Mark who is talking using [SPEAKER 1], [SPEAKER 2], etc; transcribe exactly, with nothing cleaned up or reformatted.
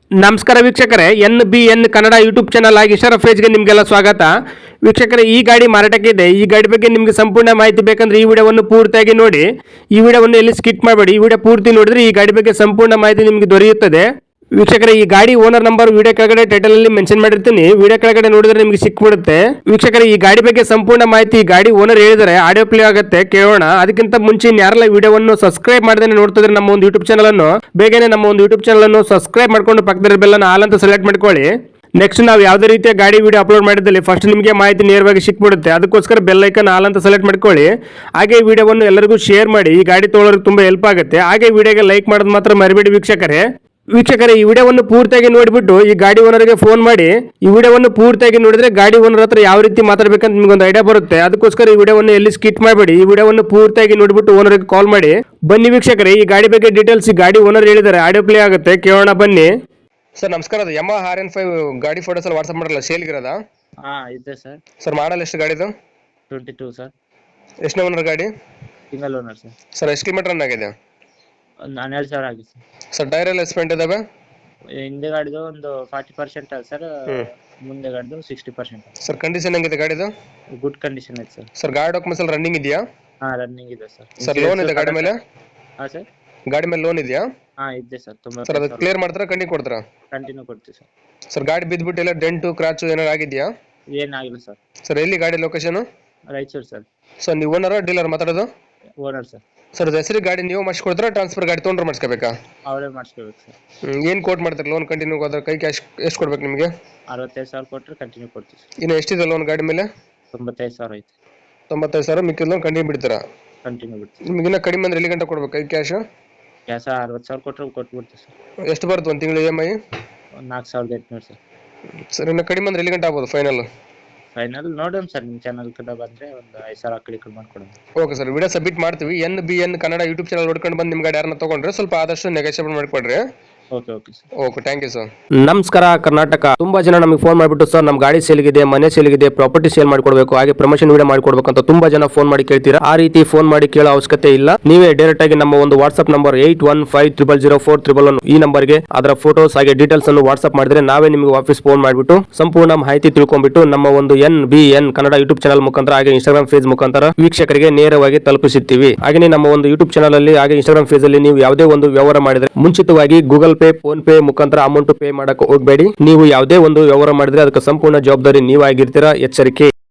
[SPEAKER 1] ನಮಸ್ಕಾರ ವೀಕ್ಷಕರೇ, N B N Kannada YouTube channel ಆಗಿ ಇಶರಫ್ ಪೇಜ್ಗೆ ನಿಮಗೆಲ್ಲ ಸ್ವಾಗತ. ವೀಕ್ಷಕರೇ, ಈ ಗಾಡಿ ಮಾರಾಟಕ್ಕೆ ಇದೆ. ಈ ಗಾಡಿ ಬಗ್ಗೆ ನಿಮಗೆ ಸಂಪೂರ್ಣ ಮಾಹಿತಿ ಬೇಕಂದ್ರೆ ಈ ವಿಡಿಯೋವನ್ನು ಪೂರ್ತಿಯಾಗಿ ನೋಡಿ. ಈ ವಿಡಿಯೋವನ್ನು ಎಲ್ಲಿ ಸ್ಕಿಪ್ ಮಾಡಬೇಡಿ. ಈ ವಿಡಿಯೋ ಪೂರ್ತಿ ನೋಡಿದ್ರೆ ಈ ಗಾಡಿ ಬಗ್ಗೆ ಸಂಪೂರ್ಣ ಮಾಹಿತಿ ನಿಮಗೆ ದೊರೆಯುತ್ತದೆ. ವೀಕ್ಷಕರೇ, ಈ ಗಾಡಿ ಓನರ್ ನಂಬರ್ ವಿಡಿಯೋ ಕೆಳಗಡೆ ಟೈಟಲ್ ಅಲ್ಲಿ ಮೆನ್ಷನ್ ಮಾಡಿರ್ತೀನಿ. ವಿಡಿಯೋ ಕೆಳಗಡೆ ನೋಡಿದ್ರೆ ನಿಮಗೆ ಸಿಕ್ಬಿಡುತ್ತೆ. ವೀಕ್ಷಕರೇ, ಈ ಗಾಡಿ ಬಗ್ಗೆ ಸಂಪೂರ್ಣ ಮಾಹಿತಿ ಗಾಡಿ ಓನರ್ ಹೇಳಿದರೆ ಆಡಿಯೋ ಪ್ಲೇ ಆಗುತ್ತೆ, ಕೇಳೋಣ. ಅದಕ್ಕಿಂತ ಮುಂಚೆ ಯಾರೆಲ್ಲ ವಿಡಿಯೋವನ್ನು ಸಬ್ಸ್ಕ್ರೈಬ್ ಮಾಡದೇ ನೋಡ್ತಿದ್ರೆ ನಮ್ಮ ಒಂದು ಯೂಟ್ಯೂಬ್ ಚಾನಲ್ ಅನ್ನು ಬೇಗನೆ ನಮ್ಮ ಒಂದು ಯೂಟ್ಯೂಬ್ ಚಾನಲ್ ಅನ್ನು ಸಬ್ಸ್ಕ್ರೈಬ್ ಮಾಡ್ಕೊಂಡು ಪಕ್ಕದ ಬೆಲ್ ಅನ್ನು ಆಲ್ ಅಂತ ಸೆಲೆಕ್ಟ್ ಮಾಡ್ಕೊಳ್ಳಿ. ನೆಕ್ಸ್ಟ್ ನಾವು ಯಾವುದೇ ರೀತಿಯ ಗಾಡಿ ವಿಡಿಯೋ ಅಪ್ಲೋಡ್ ಮಾಡಿದಲ್ಲಿ ಫಸ್ಟ್ ನಿಮಗೆ ಮಾಹಿತಿ ನೇರವಾಗಿ ಸಿಕ್ಬಿಡುತ್ತೆ. ಅದಕ್ಕೋಸ್ಕರ ಬೆಲ್ ಐಕನ್ ಆಲ್ ಅಂತ ಸೆಲೆಕ್ಟ್ ಮಾಡ್ಕೊಳ್ಳಿ. ಹಾಗೆ ಈ ವಿಡಿಯೋವನ್ನು ಎಲ್ಲರಿಗೂ ಶೇರ್ ಮಾಡಿ. ಈ ಗಾಡಿ ತೊಗೊಳೋರಿಗೆ ತುಂಬಾ ಹೆಲ್ಪ್ ಆಗುತ್ತೆ. ಹಾಗೆ ವಿಡಿಯೋಗೆ ಲೈಕ್ ಮಾಡೋದು ಮಾತ್ರ ಮರಿಬೇಡಿ ವೀಕ್ಷಕರೇ. ವೀಕ್ಷಕರೇ, ಈ ವಿಡಿಯೋವನ್ನು ಪೂರ್ತಿಯಾಗಿ ನೋಡಿಬಿಟ್ಟು ಈ ಗಾಡಿ ಓನರ್ಗೆ ಫೋನ್ ಮಾಡಿ. ಈ ವಿಡಿಯೋವನ್ನು ಪೂರ್ತಿಯಾಗಿ ನೋಡಿದ್ರೆ ಗಾಡಿ ಓನರ್ ಹತ್ರ ಯಾವ ರೀತಿ ಮಾತಾಡಬೇಕಂತ ನಿಮ್ಗೊಂದು ಐಡಿಯಾ ಬರುತ್ತೆ. ಅದಕ್ಕೋಸ್ಕರ ಈ ವಿಡಿಯೋವನ್ನು ಎಲ್ಲಿ ಸ್ಕಿಪ್ ಮಾಡಬೇಡಿ. ಈ ವಿಡಿಯೋವನ್ನು ಪೂರ್ತಿಯಾಗಿ ನೋಡಿಬಿಟ್ಟು ಓನರ್ಗೆ ಕಾಲ್ ಮಾಡಿ. ಬನ್ನಿ ವೀಕ್ಷಕರೇ, ಈ ಗಾಡಿ ಬಗ್ಗೆ ಡೀಟೇಲ್ಸ್ ಈ ಗಾಡಿ ಓನರ್ ಹೇಳಿದ್ದಾರೆ, ಆಡಿಯೋ ಪ್ಲೇ ಆಗುತ್ತೆ, ಕೇಳೋಣ ಬನ್ನಿ. ಸರ್ ನಮಸ್ಕಾರ, ಅದು ಯಮ ಆರ್ ಎನ್ ಫೈವ್ ಗಾಡಿ ಫೋಟೋಸ್ ಎಲ್ಲ ವಾಟ್ಸ್ಆಪ್ ಮಾಡಲ್ಲ, ಸೇಲ್ಗಿರೋದಾ?
[SPEAKER 2] ಹಾ ಇದೆ ಸರ್.
[SPEAKER 1] ಸರ್ ಮಾಡಲ್ ಎಷ್ಟು ಗಾಡಿದು?
[SPEAKER 2] Twenty two sir.
[SPEAKER 1] ಎಷ್ಟನೇ ಓನರ್ ಗಾಡಿ?
[SPEAKER 2] Single owner sir.
[SPEAKER 1] ಸರ್ ಎಷ್ಟು ಕಿಲೋಮೀಟರ್ ರನ್ ಆಗಿದೆ?
[SPEAKER 2] ಒಂದು ಹನ್ನೆರಡು ಸಾವಿರ ಆಗಿದೆ ಸರ್.
[SPEAKER 1] ಸರ್ ಟೈರ್ ಎಲ್ಲ ಎಸ್ಪೆಂಟ್ ಇದಾವೆ?
[SPEAKER 2] ಹಿಂದೆ ಗಾಡಿದು ಒಂದು ಫಾರ್ಟಿ ಪರ್ಸೆಂಟ್ ಅದ ಸರ್. ಮುಂದೆ ಗಾಡಿದು ಸಿಕ್ಸ್ಟಿ ಪರ್ಸೆಂಟ್.
[SPEAKER 1] ಸರ್ ಕಂಡೀಷನ್ ಹೆಂಗಿದೆ ಗಾಡಿದು?
[SPEAKER 2] ಗುಡ್ ಕಂಡೀಷನ್ ಐತೆ ಸರ್.
[SPEAKER 1] ಸರ್ ಗಾಡಿ ಡಾಕ್ಯುಮೆಂಟ್ಸ್ ಎಲ್ಲ ರನ್ನಿಂಗ್ ಇದೆಯಾ?
[SPEAKER 2] ಹಾ ರನ್ನಿಂಗ್ ಇದೆ ಸರ್.
[SPEAKER 1] ಸರ್ ಲೋನ್ ಇದೆ ಗಾಡಿ ಮೇಲೆ?
[SPEAKER 2] ಹಾ ಸರ್,
[SPEAKER 1] ಗಾಡಿ ಮೇಲೆ ಲೋನ್ ಇದೆಯಾ?
[SPEAKER 2] ಹಾ ಇದೆ ಸರ್. ತುಂಬಾ
[SPEAKER 1] ಸರ್ ಅದು ಕ್ಲಿಯರ್ ಮಾಡ್ತಾರಾ ಕಂಟಿನ್ಯೂ ಕೊಡ್ತಾರಾ?
[SPEAKER 2] ಕಂಟಿನ್ಯೂ ಕೊಡ್ತೀವಿ ಸರ್.
[SPEAKER 1] ಸರ್ ಗಾಡಿ ಬಿದ್ದುಬಿಟ್ಟು ಎಲ್ಲ ಡೆಂಟು ಕ್ರಾಚು ಏನಾರು ಆಗಿದೆಯಾ?
[SPEAKER 2] ಏನಾಗಿಲ್ಲ ಸರ್.
[SPEAKER 1] ಸರ್ ಎಲ್ಲಿ ಗಾಡಿ ಲೊಕೇಶನ್?
[SPEAKER 2] ರಾಯಚೂರು ಸರ್.
[SPEAKER 1] ಸರ್ ನೀವು ಓನರ್ ಡೀಲರ್ ಮಾತಾಡೋದು?
[SPEAKER 2] Owner sir.
[SPEAKER 1] ಸರ್ ಹೆಸರು ಗಾಡಿ ನೀವು ಮಾಡಿಸ್ಕೊಡ್ತಾರಾ ಟ್ರಾನ್ಸ್ಫರ್ ಗಾಡಿ ತೊಗೊಂಡ್ರೆ ಮಾಡಿಸ್ಕೋಬೇಕಾ?
[SPEAKER 2] ಅವರೇ ಮಾಡಿಸ್ಕೋಬೇಕು ಸರ್.
[SPEAKER 1] ಏನು ಕೋಟ್ ಮಾಡ್ತಾರೆ ಲೋನ್ ಕಂಟಿನ್ಯೂ ಹೋದ್ರೆ? ಕೈ ಕ್ಯಾಶ್ ಎಷ್ಟು ಕೊಡ್ಬೇಕು ನಿಮಗೆ?
[SPEAKER 2] ಅರವತ್ತೈದು ಸಾವಿರ ಕೊಟ್ಟರೆ ಕಂಟಿನ್ಯೂ ಕೊಡ್ತೀವಿ ಸರ್.
[SPEAKER 1] ಇನ್ನು ಎಷ್ಟಿದೆ ಲೋನ್ ಗಾಡಿ ಮೇಲೆ?
[SPEAKER 2] ತೊಂಬತ್ತೈದು ಸಾವಿರ ಐತೆ.
[SPEAKER 1] ತೊಂಬತ್ತೈದು ಸಾವಿರ ಮಿಕ್ಕಿದ ಲೋನ್ ಕಂಟಿನ್ಯೂ ಬಿಡ್ತೀರಾ?
[SPEAKER 2] ಕಂಟಿನ್ಯೂ ಬಿಡ್ತೀವಿ.
[SPEAKER 1] ನಿಮ್ಗೆ ಇನ್ನೂ ಕಡಿಮೆ ಅಂದ್ರೆ ಎಲ್ಲಿ ಗಂಟೆ ಕೊಡ್ಬೇಕು ಕೈ ಕ್ಯಾಶ್?
[SPEAKER 2] ಕ್ಯಾಶ ಅರವತ್ತು ಸಾವಿರ ಕೊಟ್ಟರೆ ಕೊಟ್ಬಿಡ್ತೀವಿ ಸರ್.
[SPEAKER 1] ಎಷ್ಟು ಬರುತ್ತೆ ಒಂದು ತಿಂಗಳು ಇ ಎಮ್ ಐ?
[SPEAKER 2] ಒಂದು ನಾಲ್ಕು ಸಾವಿರದ ಎಂಟುನೂರು ಸರ್.
[SPEAKER 1] ಸರ್ ಇನ್ನು ಕಡಿಮೆ ಅಂದ್ರೆ ಎಲ್ಲಿ ಗಂಟೆ ಆಗ್ಬೋದು ಫೈನಲ್?
[SPEAKER 2] ಫೈನಲ್ ನೋಡೋಣ ಸರ್, ನಿಮ್ಮ ಚಾನಲ್ ಕಡೆ ಬಂದರೆ ಒಂದು ಐದು ಸಾವಿರ ಆ ಕಡೆ ಕಡೆ ಮಾಡ್ಕೊಡೋಣ.
[SPEAKER 1] ಓಕೆ ಸರ್, ವಿಡಿಯೋ ಸಬ್ಮಿಟ್ ಮಾಡ್ತೀವಿ. N B N Kannada YouTube channel ನೋಡ್ಕೊಂಡು ಬಂದು ನಿಮ್ಮ ಗಾಡಿ ಯಾರನ್ನ ತೊಗೊಂಡ್ರೆ ಸ್ವಲ್ಪ ಆದಷ್ಟು ನೆಗೋಷಿಯೇಟ್ ಮಾಡಿಕೊಡ್ರಿ.
[SPEAKER 2] Okay okay sir.
[SPEAKER 1] Okay, thank you sir.
[SPEAKER 3] ನಮಸ್ಕಾರ ಕರ್ನಾಟಕ. ತುಂಬಾ ಜನ ನಮಗೆ ಫೋನ್ ಮಾಡಿಬಿಟ್ಟು ಸರ್ ನಮ್ಮ ಗಾಡಿ ಸೇಲ್ಗಿದೆ, ಮನೆ ಸೇಲ್ಗಿದೆ, ಪ್ರಾಪರ್ಟಿ ಸೇಲ್ ಮಾಡಿಕೊಡ್ಬೇಕು, ಹಾಗೆ ಪ್ರಮೋಷನ್ ವಿಡಿಯೋ ಮಾಡಿಕೊಡ್ಬೇಕು ಅಂತ ತುಂಬಾ ಜನ ಫೋನ್ ಮಾಡಿ ಕೇಳ್ತೀರಾ. ಆ ರೀತಿ ಫೋನ್ ಮಾಡಿ ಕೇಳೋ ಅವಶ್ಯಕತೆ ಇಲ್ಲ. ನೀವೇ ಡೈರೆಕ್ಟ್ ಆಗಿ ನಮ್ಮ ಒಂದು WhatsApp number eight one five triple zero four triple one ಈ ನಂಬರ್ಗೆ ಅದರ ಫೋಟೋಸ್ ಹಾಗೆ ಡೀಟೇಲ್ಸ್ ಅನ್ನು ವಾಟ್ಸ್ಆಪ್ ಮಾಡಿದ್ರೆ ನಾವೇ ನಿಮಗೆ ವಾಪಸ್ ಫೋನ್ ಮಾಡಿಬಿಟ್ಟು ಸಂಪೂರ್ಣ ಮಾಹಿತಿ ತಿಳ್ಕೊಂಡ್ಬಿಟ್ಟು ನಮ್ಮ ಒಂದು N B N Kannada YouTube channel ಮುಖಾಂತರ ಹಾಗೆ ಇನ್ಸ್ಟಾಗ್ರಾಮ್ ಪೇಜ್ ಮುಖಾಂತರ ವೀಕ್ಷಕರಿಗೆ ನೇರವಾಗಿ ತಲುಪಿಸುತ್ತೀವಿ. ಹಾಗೆ ನಮ್ಮ ಒಂದು ಯೂಟ್ಯೂಬ್ ಚಾನಲ್ ಅಲ್ಲಿ ಹಾಗೆ ಇನ್ಸ್ಟಾಗ್ರಾಮ್ ಪೇಜ್ ಅಲ್ಲಿ ನೀವು ಯಾವುದೇ ಒಂದು ವ್ಯವಹಾರ ಮಾಡಿದ್ರೆ ಮುಂಚಿತವಾಗಿ ಗೂಗಲ್ ಪೇ, ಫೋನ್ ಪೇ ಮುಖಾಂತರ ಅಮೌಂಟ್ ಪೇ ಮಾಡಕ್ಕೆ ಹೋಗಬೇಡಿ. ನೀವು ಯಾವುದೇ ಒಂದು ವ್ಯವಹಾರ ಮಾಡಿದ್ರೆ ಅದಕ್ಕೆ ಸಂಪೂರ್ಣ ಜವಾಬ್ದಾರಿ ನೀವಾಗಿರ್ತೀರಾ. ಎಚ್ಚರಿಕೆ.